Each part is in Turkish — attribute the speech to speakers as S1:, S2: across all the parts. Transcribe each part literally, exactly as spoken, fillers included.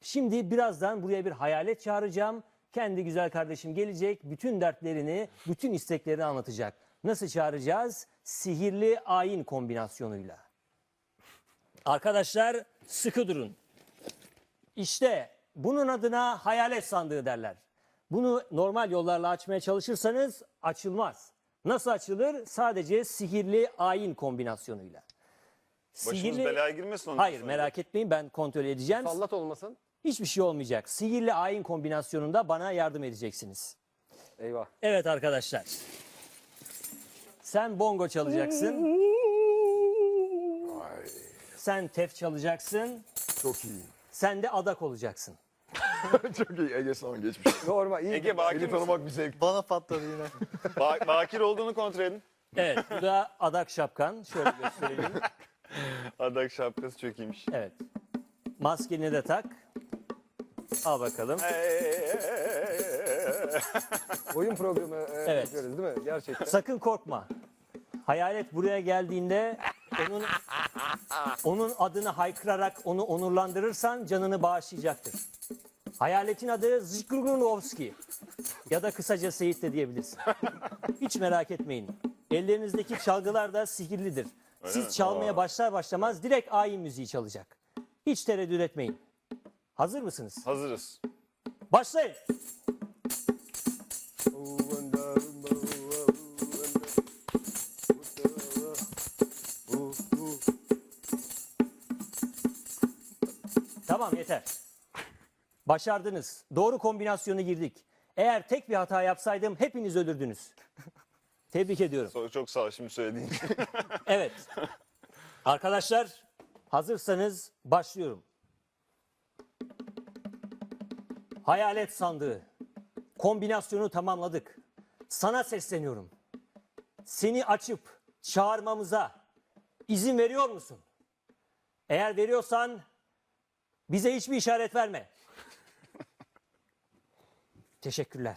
S1: Şimdi birazdan buraya bir hayalet çağıracağım. Kendi güzel kardeşim gelecek, bütün dertlerini, bütün isteklerini anlatacak. Nasıl çağıracağız? Sihirli ayin kombinasyonuyla. Arkadaşlar sıkı durun. İşte bunun adına hayalet sandığı derler. Bunu normal yollarla açmaya çalışırsanız açılmaz. Nasıl açılır? Sadece sihirli ayin kombinasyonuyla.
S2: Başımız belaya girmesin ondan
S1: Hayır
S2: sonra.
S1: merak etmeyin, ben kontrol edeceğim.
S3: Sallat olmasın.
S1: Hiçbir şey olmayacak. Sihirli ayin kombinasyonunda bana yardım edeceksiniz.
S3: Eyvah.
S1: Evet arkadaşlar. Sen bongo çalacaksın.
S4: Ay,
S1: Sen tef çalacaksın.
S4: çok iyi.
S1: Sen de adak olacaksın.
S4: Çok iyi. Ege son geçmiş.
S3: Normal. iyi.
S2: Ege bakir
S4: Seni
S2: misin?
S4: tanımak bir zevk.
S5: Bana patladı yine.
S2: Ba- bakir olduğunu kontrol edin.
S1: Evet, bu da adak şapkan. Şöyle gösterelim.
S2: Adak şapkası çok iyiymiş.
S1: Evet. Maskeni de tak. Al bakalım.
S3: Oyun programı e,
S1: Evet.
S3: yapıyoruz değil mi? Gerçekten.
S1: Sakın korkma. Hayalet buraya geldiğinde onun onun adını haykırarak onu onurlandırırsan canını bağışlayacaktır. Hayaletin adı Zıkrugrunovski ya da kısaca Seyit de diyebilirsin. Hiç merak etmeyin. Ellerinizdeki çalgılar da sihirlidir. Siz
S2: mi?
S1: çalmaya başlar başlamaz direkt ayin müziği çalacak. Hiç tereddüt etmeyin. Hazır mısınız?
S2: Hazırız.
S1: Başlayın. Tamam yeter. Başardınız. Doğru kombinasyonu girdik. Eğer tek bir hata yapsaydım hepiniz ölürdünüz. Tebrik ediyorum.
S2: Çok, çok sağ ol şimdi söylediğin için.
S1: Evet. Arkadaşlar hazırsanız başlıyorum. Hayalet sandığı. Kombinasyonu tamamladık. Sana sesleniyorum. Seni açıp çağırmamıza izin veriyor musun? Eğer veriyorsan bize hiçbir işaret verme. Teşekkürler.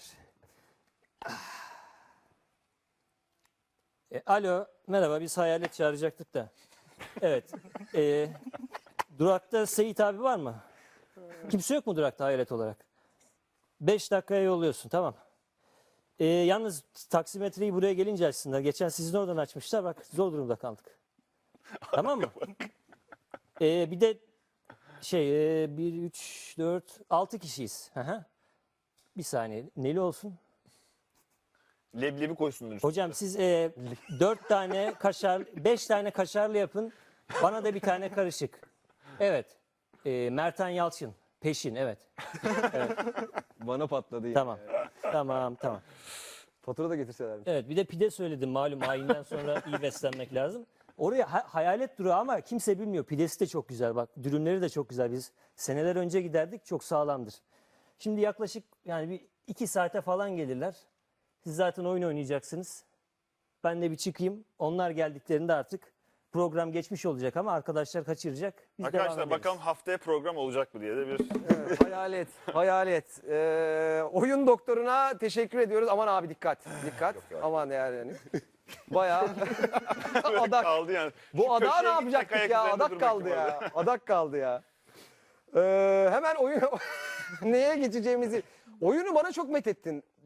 S1: E, alo, merhaba, biz hayalet çağıracaktık da. Evet, e, durakta Seyit abi var mı? Kimse yok mu durakta hayalet olarak? Beş dakikaya yolluyorsun, tamam. E, yalnız taksimetreyi buraya gelince açsınlar. Geçen sizin oradan açmışlar, bak zor durumda kaldık. Tamam mı? E, bir de şey, e, bir, üç, dört, altı kişiyiz. Hı hı. Bir saniye, neli olsun?
S2: Leblebi koysunlar üstüne.
S1: Hocam siz e, dört tane kaşar, beş tane kaşarlı yapın. Bana da bir tane karışık. Evet. E, Mertan Yalçın. Peşin, evet.
S3: Bana patladı. yine.
S1: Tamam. Tamam, tamam.
S3: Fatura da getirselermiş.
S1: Evet, bir de pide söyledim malum ayinden sonra iyi beslenmek lazım. Oraya ha- hayalet durağı ama kimse bilmiyor. Pidesi de çok güzel bak. Dürümleri de çok güzel. Biz seneler önce giderdik. Çok sağlamdır. Şimdi yaklaşık yani bir iki saate falan gelirler. Siz zaten oyun oynayacaksınız. Ben de bir çıkayım. Onlar geldiklerinde artık program geçmiş olacak ama arkadaşlar kaçıracak. Biz devam
S2: Arkadaşlar
S1: ederiz.
S2: bakalım haftaya program olacak mı diye de bir...
S3: Evet, hayalet. Hayalet. Ee, oyun doktoruna teşekkür ediyoruz. Aman abi dikkat. Dikkat. Aman yani. yani. Bayağı adak.
S2: kaldı yani.
S3: Bu
S2: Şu
S3: adağı ne
S2: köşeye git,
S3: yapacaktık
S2: ayak
S3: ya?
S2: üzerinde
S3: Adak
S2: dur
S3: kaldı
S2: bakayım
S3: ya.
S2: orada.
S3: Adak kaldı ya. Ee, hemen oyun neye geçeceğimizi. Oyunu bana çok methettin.